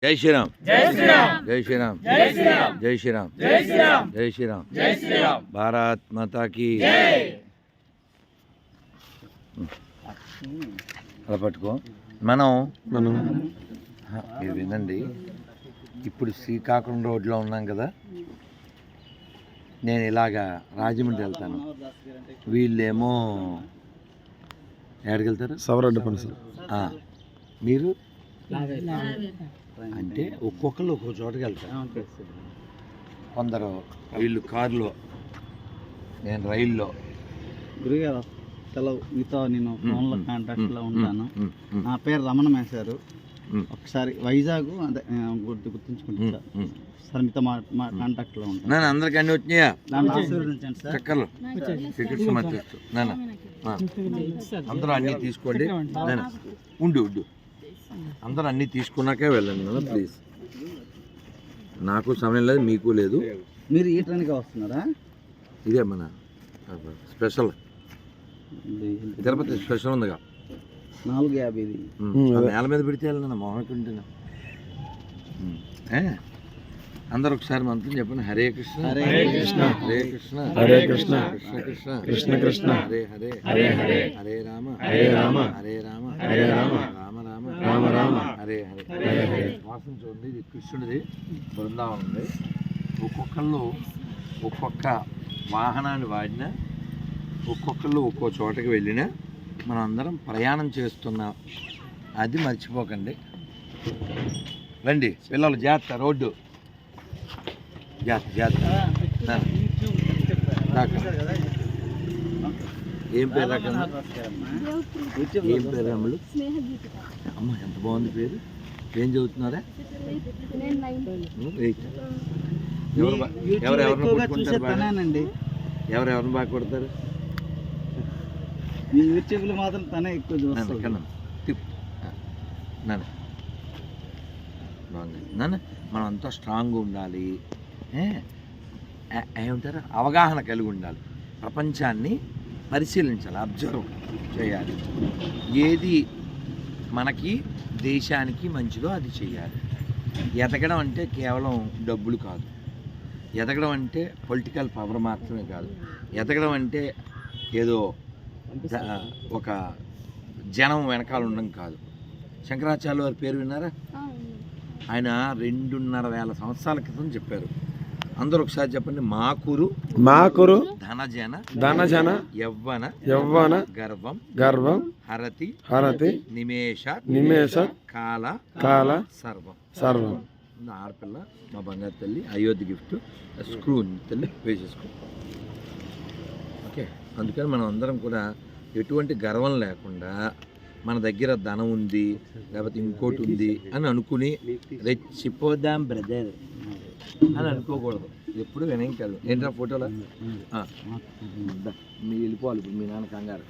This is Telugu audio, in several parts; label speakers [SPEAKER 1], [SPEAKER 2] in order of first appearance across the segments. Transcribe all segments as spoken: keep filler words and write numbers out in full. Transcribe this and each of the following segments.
[SPEAKER 1] జై శ్రీరామ్
[SPEAKER 2] జై శ్రీరామ్
[SPEAKER 1] జై శ్రీరామ్
[SPEAKER 2] జై శ్రీరామ్
[SPEAKER 1] జై శ్రీరామ్
[SPEAKER 2] జై శ్రీరామ్
[SPEAKER 1] జై శ్రీరామ్
[SPEAKER 2] జై శ్రీరామ్
[SPEAKER 1] భారత్ మాతా కీ
[SPEAKER 2] జై.
[SPEAKER 1] అలా పట్టుకో. మనం మనం మీరు వినండి, ఇప్పుడు శ్రీకాకుళం రోడ్లో ఉన్నాం కదా, నేను ఇలాగా రాజమండ్రి వెళ్తాను, వీళ్ళేమో ఎక్కడికి వెళ్తారు?
[SPEAKER 3] సవరడ్డ పని సార్.
[SPEAKER 1] మీరు అంటే ఒక్కొక్కరు ఒక్కొక్క చోటకి వెళ్తారు. కొందరు వీళ్ళు కారులో, నేను రైల్లో.
[SPEAKER 4] గురుగారు తెలవు మీతో నేను ఫోన్లో కాంటాక్ట్లో ఉంటాను. నా పేరు రమణ మేశారు. ఒకసారి వైజాగ్ అదే గుర్తు గుర్తుంచుకుంటాను సార్. మీతో మా మా కాంటాక్ట్లో ఉంటాను.
[SPEAKER 1] నాన్న అందరికి అన్నీ వచ్చినాయా?
[SPEAKER 4] దాన్ని ఆశీర్వదించండి సార్.
[SPEAKER 1] చక్కర్లు శ్రీకృష్ణ మధ్యస్తు నాన్న అందరూ అన్నీ తీసుకోండి. నాన్న ఉండు ఉండు అందరూ అన్నీ తీసుకున్నాకే వెళ్ళండి నాన్న ప్లీజ్. నాకు సమయం లేదు, మీకు లేదు.
[SPEAKER 4] మీరు ఈ ట్రైన్గా వస్తున్నారా?
[SPEAKER 1] ఇదే మన స్పెషల్ తిరుపతి స్పెషల్ ఉందిగా,
[SPEAKER 4] నాలుగు యాభై ఇది
[SPEAKER 1] నేల మీద పెడితే వెళ్ళిన మోహనకుంటున్నా. అందరు ఒకసారి మంత్రం చెప్పండి. హరే కృష్ణ
[SPEAKER 4] హరే కృష్ణ
[SPEAKER 1] హరే కృష్ణ
[SPEAKER 3] హరే కృష్ణ
[SPEAKER 1] కృష్ణ కృష్ణ
[SPEAKER 3] కృష్ణ కృష్ణ
[SPEAKER 1] హరే హరే
[SPEAKER 3] హరే హరే
[SPEAKER 1] హరే రామ
[SPEAKER 3] హరే రామ
[SPEAKER 1] హరే రామ
[SPEAKER 3] హరే రామ
[SPEAKER 1] రామ రామ
[SPEAKER 3] రామ రామ
[SPEAKER 1] హరే హరే
[SPEAKER 3] హరే హరే.
[SPEAKER 1] వాసన చూడండి, ఇది కృష్ణుడిది బృందావనం ఉంది. ఒక్కొక్కళ్ళు ఒక్కొక్క వాహనాన్ని వాడినా, ఒక్కొక్కళ్ళు ఒక్కో చోటకి వెళ్ళినా మనం అందరం ప్రయాణం చేస్తున్నాం, అది మర్చిపోకండి. రండి పిల్లలు, జాగ్రత్త, రోడ్డు జాగ్రత్త జాగ్రత్త. ఏం పేరు రాకన్నా? ఏం పేరు అమ్మలు? అమ్మ ఎంత బాగుంది పేరు. ఏం చదువుతున్నారా? ఎవరు బా- ఎవరెవరిని కొట్టుకుంటారు బాగా?
[SPEAKER 4] తనేనండి.
[SPEAKER 1] ఎవరెవరిని బాగా కొడతారు?
[SPEAKER 4] మీ యూట్యూబ్లో మాత్రం తనే ఎక్కువ
[SPEAKER 1] నాన్న
[SPEAKER 4] చూస్తాను.
[SPEAKER 1] కన్నా తిప్పు. నాన్న బాగుంది నాన్న. మనం అంతా స్ట్రాంగ్గా ఉండాలి, ఏ? ఏ- ఏమంటారు, అవగాహన కలిగి ఉండాలి, ప్రపంచాన్ని పరిశీలించాలి, అబ్జర్వ్ చేయాలి. ఏది మనకి దేశానికి మంచిదో అది చేయాలి. ఎదగడం అంటే కేవలం డబ్బులు కాదు, ఎదగడం అంటే పొలిటికల్ పవర్ మాత్రమే కాదు, ఎదగడం అంటే ఏదో ద- ఒక జనం వెనకాల ఉండడం కాదు. శంకరాచార్య వారి పేరు విన్నారా? ఆయన రెండున్నర వేల సంవత్సరాల క్రితం చెప్పారు. అందరూ ఒకసారి చెప్పండి. మాకురు
[SPEAKER 3] మాకురు
[SPEAKER 1] ధనజన
[SPEAKER 3] ధనజన
[SPEAKER 1] యవ్వన
[SPEAKER 3] యవ్వన
[SPEAKER 1] గర్వం
[SPEAKER 3] గర్వం
[SPEAKER 1] హరతి
[SPEAKER 3] హరతి
[SPEAKER 1] నిమేష
[SPEAKER 3] నిమేష
[SPEAKER 1] కాల
[SPEAKER 3] కాల
[SPEAKER 1] సర్వం.
[SPEAKER 3] సర్వం.
[SPEAKER 1] నా ఆడపిల్ల, మా బంగారు తల్లి, అయోధ్య గిఫ్ట్, స్క్రూ తల్లి వేసేసుకో. ఓకే, అందుకని మనం అందరం కూడా ఎటువంటి గర్వం లేకుండా, మన దగ్గర ధనం ఉంది లేకపోతే ఇంకోటి ఉంది అని అనుకుని రెచ్చిపోదాం బ్రదర్ అని అనుకోకూడదు. ఎప్పుడు వినయం కాదు. ఏంట్రా ఫోటోలో మీ వెళ్ళిపోవాలి ఇప్పుడు, మీ నాన్న కంగారు.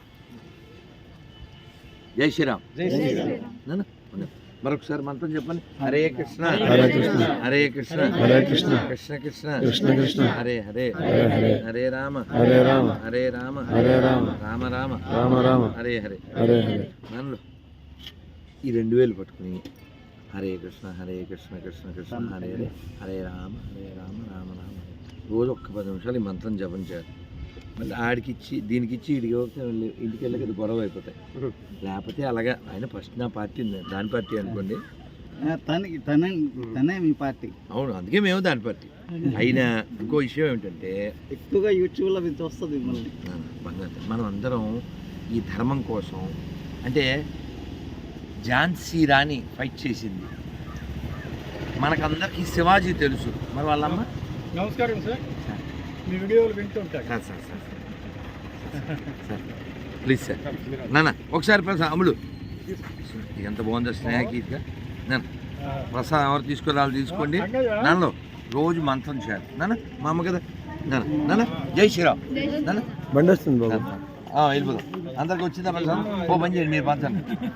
[SPEAKER 1] జై శ్రీరామ్. నాన్న మరొకసారి మంత్రం చెప్పండి. హరే కృష్ణ
[SPEAKER 3] హరే కృష్ణ
[SPEAKER 1] హరే కృష్ణ
[SPEAKER 3] హరే కృష్ణ
[SPEAKER 1] కృష్ణ కృష్ణ
[SPEAKER 3] కృష్ణ కృష్ణ
[SPEAKER 1] హరే హరే
[SPEAKER 3] హరే హరే
[SPEAKER 1] హరే రామ
[SPEAKER 3] హరే రామ
[SPEAKER 1] హరే రామ
[SPEAKER 3] హరే రామ
[SPEAKER 1] రామ రామ
[SPEAKER 3] రామ రామ
[SPEAKER 1] హరే హరే.
[SPEAKER 3] హరే హరే.
[SPEAKER 1] నాన్నలో ఈ రెండు వేలు పట్టుకుని హరే కృష్ణ హరే కృష్ణ కృష్ణ కృష్ణ హరే హరే హరే రామ హరే రామ రామ రామ రోజు ఒక్క పది నిమిషాలు ఈ మంత్రం జపం చేయాలి. మళ్ళీ ఆడికి ఇచ్చి దీనికి ఇచ్చి ఇడికి వెళ్ళి ఇంటికి వెళ్ళక అది గొడవ అయిపోతాయి. లేకపోతే అలాగా ఆయన ఫస్ట్ నా పార్టీ ఉంది, దాని పార్టీ అనుకోండి.
[SPEAKER 4] తనకి తనే తనే మీ పార్టీ.
[SPEAKER 1] అవును, అందుకే మేము దాని పార్టీ. అయినా ఇంకో విషయం ఏమిటంటే,
[SPEAKER 4] ఎక్కువగా యూట్యూబ్లో ఇది వస్తుంది మిమ్మల్ని.
[SPEAKER 1] బంగారు మనం అందరం ఈ ధర్మం కోసం, అంటే ఝాన్సీ రాణి ఫైట్ చేసింది, మనకందరికీ శివాజీ తెలుసు. మరి వాళ్ళమ్మ
[SPEAKER 2] నమస్కారం సార్, మీ వీడియోలు వింటుంటాను.
[SPEAKER 1] Sir sir sir sir please sir నాన్న ఒకసారి ప్రసాద్ అమ్ములు ఎంత బాగుందో స్నేహగీతగా. నాన్న ప్రసాదం ఎవరు తీసుకురావాలి తీసుకోండి. నాన్నలో రోజు మంత్రం చేయాలి. నాన్న మా అమ్మ కదా. నాన్న నాన్న జై శ్రీరామ్. నాన్న
[SPEAKER 3] బండి వస్తుంది బాబు.
[SPEAKER 1] వెళ్ళిపోదాం. అందరికి వచ్చిందా ప్రసాదం? ఓ పని చేయండి, మీరు పంచండి.